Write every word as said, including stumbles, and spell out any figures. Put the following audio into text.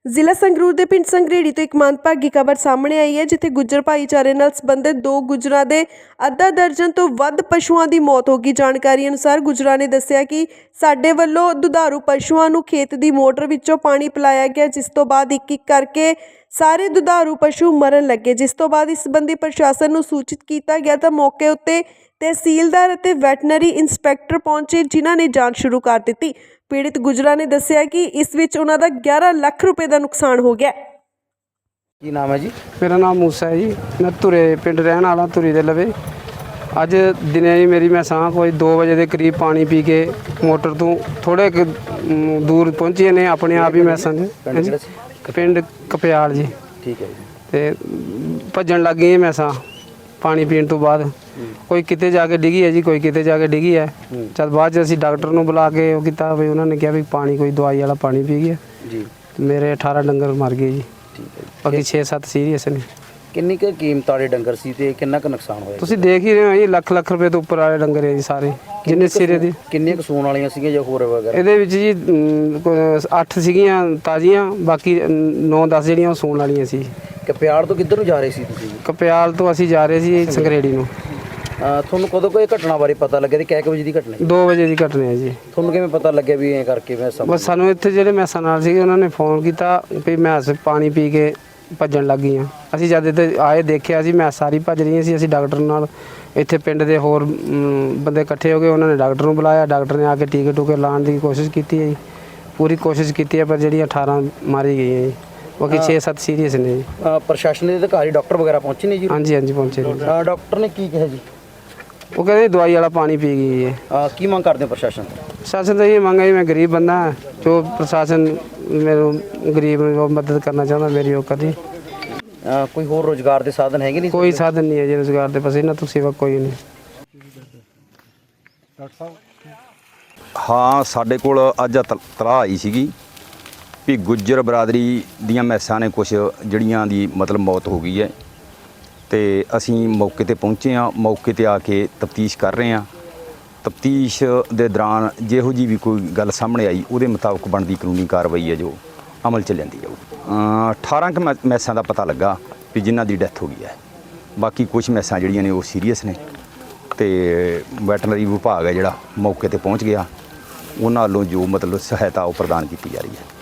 ਜ਼ਿਲ੍ਹਾ ਸੰਗਰੂਰ ਦੇ ਪਿੰਡ ਸੰਗਰੇੜੀ ਤੋਂ ਇੱਕ ਮੰਦਭਾਗੀ ਖਬਰ ਸਾਹਮਣੇ ਆਈ ਹੈ, ਜਿੱਥੇ ਗੁੱਜਰ ਭਾਈਚਾਰੇ ਨਾਲ ਸੰਬੰਧਿਤ ਦੋ ਗੁੱਜਰਾਂ ਦੇ ਅੱਧਾ ਦਰਜਨ ਤੋਂ ਵੱਧ ਪਸ਼ੂਆਂ ਦੀ ਮੌਤ ਹੋ ਗਈ। ਜਾਣਕਾਰੀ ਅਨੁਸਾਰ ਗੁੱਜਰਾਂ ਨੇ ਦੱਸਿਆ ਕਿ ਸਾਡੇ ਵੱਲੋਂ ਦੁਧਾਰੂ ਪਸ਼ੂਆਂ ਨੂੰ ਖੇਤ ਦੀ ਮੋਟਰ ਵਿੱਚੋਂ ਪਾਣੀ ਪਿਲਾਇਆ ਗਿਆ, ਜਿਸ ਤੋਂ ਬਾਅਦ ਇੱਕ ਇੱਕ ਕਰਕੇ ਸਾਰੇ ਦੁਧਾਰੂ ਪਸ਼ੂ ਮਰਨ ਲੱਗੇ। ਜਿਸ ਤੋਂ ਬਾਅਦ ਇਸ ਸੰਬੰਧੀ ਪ੍ਰਸ਼ਾਸਨ ਨੂੰ ਸੂਚਿਤ ਕੀਤਾ ਗਿਆ ਤਾਂ ਮੌਕੇ ਉੱਤੇ ਤਹਿਸੀਲਦਾਰ ਅਤੇ ਵੈਟਨਰੀ ਇੰਸਪੈਕਟਰ ਪਹੁੰਚੇ, ਜਿਨ੍ਹਾਂ ਨੇ ਜਾਂਚ ਸ਼ੁਰੂ ਕਰ ਦਿੱਤੀ। ਪੀੜਿਤ ਗੁੱਜਰਾਂ ਨੇ ਦੱਸਿਆ ਕਿ ਇਸ ਵਿੱਚ ਉਹਨਾਂ ਦਾ ਗਿਆਰਾਂ ਲੱਖ ਰੁਪਏ ਦਾ ਨੁਕਸਾਨ ਹੋ ਗਿਆ। ਕੀ ਨਾਮ ਹੈ ਜੀ? मेरा नाम मूसा है जी। मैं धुरे पिंड रहने वाला, धुरी दे लवे। अज दिने जी मेरी मैसां कोई दो बजे के करीब पानी पी के मोटर तो थोड़े दूर पहुँची ने अपने आप ही मैसां पिंड कपयाल जी। ठीक है जी। ते भजन लग गई मैसां पानी पीने तो बाद। कोई किते जाके डिगी है जी, कोई किते जाके डिगी है। चल बाद असीं डॉक्टर नूं बुला के वो कीता भी उन्होंने कहा भी पानी कोई दवाई वाला पानी पी गया जी। मेरे अठारह डंगर मर गए जी। ठीक है। बाकी छे सत्त सीरीयस ने। ਕਿੰਨੀ ਕੁ ਕੀਮਤ ਵਾਲੇ ਡੰਗਰ ਸੀ ਤੇ ਕਿੰਨਾ ਕੁ ਨੁਕਸਾਨ ਹੋਇਆ? ਤੁਸੀਂ ਦੇਖ ਹੀ ਰਹੇ ਹੋ ਜੀ, ਲੱਖ ਲੱਖ ਰੁਪਏ ਤੋਂ ਉੱਪਰ ਵਾਲੇ ਡੰਗਰ ਹੈ ਜੀ ਸਾਰੇ, ਜਿੰਨੇ ਸਿਰੇ ਦੀ। ਕਿੰਨੀਆਂ ਕੁ ਸੂਣ ਵਾਲੀਆਂ ਸੀਗੀਆਂ ਜਾਂ ਹੋਰ ਵਗੈਰਾ? ਇਹਦੇ ਵਿੱਚ ਜੀ ਅੱਠ ਸੀਗੀਆਂ ਤਾਜ਼ੀਆਂ, ਬਾਕੀ ਨੌ ਦਸ ਜਿਹੜੀਆਂ ਉਹ ਸੂਣ ਵਾਲੀਆਂ ਸੀ। ਕਪਿਆਲ ਤੋਂ ਕਿੱਧਰ ਨੂੰ ਜਾ ਰਹੇ ਸੀ ਤੁਸੀਂ? ਕਪਿਆਲ ਤੋਂ ਅਸੀਂ ਜਾ ਰਹੇ ਸੀ ਸੰਗਰੇੜੀ ਨੂੰ। ਅਹ ਤੁਹਾਨੂੰ ਕਦੋਂ ਕੋਈ ਘਟਨਾ ਬਾਰੇ ਪਤਾ ਲੱਗਿਆ ਤੇ ਕਿੰਨੇ ਵਜੇ ਦੀ ਘਟਨਾ? ਦੋ ਵਜੇ ਦੀ ਘਟਨਾ ਹੈ ਜੀ। ਤੁਹਾਨੂੰ ਕਿਵੇਂ ਪਤਾ ਲੱਗਿਆ ਵੀ ਐਂ ਕਰਕੇ ਮੈਂ ਸਮਝ? ਬਸ ਸਾਨੂੰ ਇੱਥੇ ਜਿਹੜੇ ਮੈਸਾਂ ਨਾਲ ਸੀਗੇ ਉਹਨਾਂ ਨੇ ਫੋਨ ਕੀਤਾ ਵੀ ਮੈਸ ਪਾਣੀ ਪੀ ਕੇ ਭੱਜਣ ਲੱਗ ਗਈਆਂ। ਅਸੀਂ ਜਦ ਇੱਥੇ ਆਏ ਦੇਖਿਆ ਸੀ ਮੈਸ ਸਾਰੀ ਭੱਜ ਰਹੀਆਂ ਸੀ। ਅਸੀਂ ਡਾਕਟਰ ਨਾਲ ਇੱਥੇ ਪਿੰਡ ਦੇ ਹੋਰ ਬੰਦੇ ਇਕੱਠੇ ਹੋ ਗਏ, ਉਹਨਾਂ ਨੇ ਡਾਕਟਰ ਨੂੰ ਬੁਲਾਇਆ। ਡਾਕਟਰ ਨੇ ਆ ਕੇ ਟੀਕੇ ਟੂਕੇ ਲਾਉਣ ਦੀ ਕੋਸ਼ਿਸ਼ ਕੀਤੀ ਹੈ ਜੀ, ਪੂਰੀ ਕੋਸ਼ਿਸ਼ ਕੀਤੀ ਹੈ, ਪਰ ਜਿਹੜੀਆਂ ਅਠਾਰਾਂ ਮਾਰੀ ਗਈਆਂ ਜੀ, ਬਾਕੀ ਛੇ ਸੱਤ ਸੀਰੀਅਸ ਨੇ ਜੀ। ਪ੍ਰਸ਼ਾਸਨ ਦੇ ਅਧਿਕਾਰੀ ਡਾਕਟਰ ਵਗੈਰਾ ਪਹੁੰਚੇ ਨੇ ਜੀ? ਹਾਂਜੀ ਹਾਂਜੀ ਪਹੁੰਚੇ ਨੇ। ਡਾਕਟਰ ਨੇ ਕੀ ਕਿਹਾ ਜੀ? ਉਹ ਕਹਿੰਦੇ ਦਵਾਈ ਵਾਲਾ ਪਾਣੀ ਪੀ ਗਈ ਹੈ। ਅਹ ਕੀ ਮੰਗ ਕਰਦੇ ਹੋ ਪ੍ਰਸ਼ਾਸਨ ਤੋਂ? ਪ੍ਰਸ਼ਾਸਨ ਤਾਂ ਇਹ ਮੰਗ ਹੈ ਜੀ, ਮੈਂ ਗਰੀਬ ਬੰਦਾ ਹਾਂ, ਜੋ ਪ੍ਰਸ਼ਾਸਨ ਮੈਨੂੰ ਗਰੀਬ ਨੂੰ ਮਦਦ ਕਰਨਾ ਚਾਹੁੰਦਾ ਮੇਰੀ ਉਹ ਕਰੀ। ਅਹ ਕੋਈ ਹੋਰ ਰੋਜ਼ਗਾਰ ਦੇ ਸਾਧਨ ਹੈਗੇ ਨਹੀਂ? ਕੋਈ ਸਾਧਨ ਨਹੀਂ ਹੈ ਜੀ ਰੁਜ਼ਗਾਰ ਦੇ, ਬਸ ਇਹਨਾਂ ਤੋਂ ਸਿਵਾ ਕੋਈ ਨਹੀਂ। ਹਾਂ, ਸਾਡੇ ਕੋਲ ਅੱਜ ਤਲਾਹ ਆਈ ਸੀਗੀ ਵੀ ਗੁੱਜਰ ਬਰਾਦਰੀ ਦੀਆਂ ਮੈਸਾਂ ਨੇ ਕੁਛ ਜਿਹੜੀਆਂ ਦੀ ਮਤਲਬ ਮੌਤ ਹੋ ਗਈ ਹੈ, ਤੇ ਅਸੀਂ ਮੌਕੇ ਤੇ ਪਹੁੰਚੇ ਹਾਂ। ਮੌਕੇ ਤੇ ਆ ਕੇ ਤਫਤੀਸ਼ ਕਰ ਰਹੇ ਹਾਂ। ਤਫਤੀਸ਼ ਦੇ ਦੌਰਾਨ ਜਿਹੋ ਜੀ ਵੀ ਕੋਈ ਗੱਲ ਸਾਹਮਣੇ ਆਈ ਉਹਦੇ ਮੁਤਾਬਕ ਬਣਦੀ ਕਾਨੂੰਨੀ ਕਾਰਵਾਈ ਹੈ ਜੋ ਅਮਲ 'ਚ ਲੈਂਦੀ ਜਾਊਗੀ। ਅਠਾਰਾਂ ਕੁ ਮੈ ਮੈਸਾਂ ਦਾ ਪਤਾ ਲੱਗਾ ਵੀ ਜਿਨ੍ਹਾਂ ਦੀ ਡੈਥ ਹੋ ਗਈ ਹੈ। ਬਾਕੀ ਕੁਛ ਮੈਸਾਂ ਜਿਹੜੀਆਂ ਨੇ ਉਹ ਸੀਰੀਅਸ ਨੇ, ਤੇ ਵੈਟਰਨਰੀ ਵਿਭਾਗ ਹੈ ਜਿਹੜਾ ਮੌਕੇ ਤੇ ਪਹੁੰਚ ਗਿਆ, ਉਹਨਾਂ ਵੱਲੋਂ ਜੋ ਮਤਲਬ ਸਹਾਇਤਾ ਉਹ ਪ੍ਰਦਾਨ ਕੀਤੀ ਜਾ ਰਹੀ ਹੈ।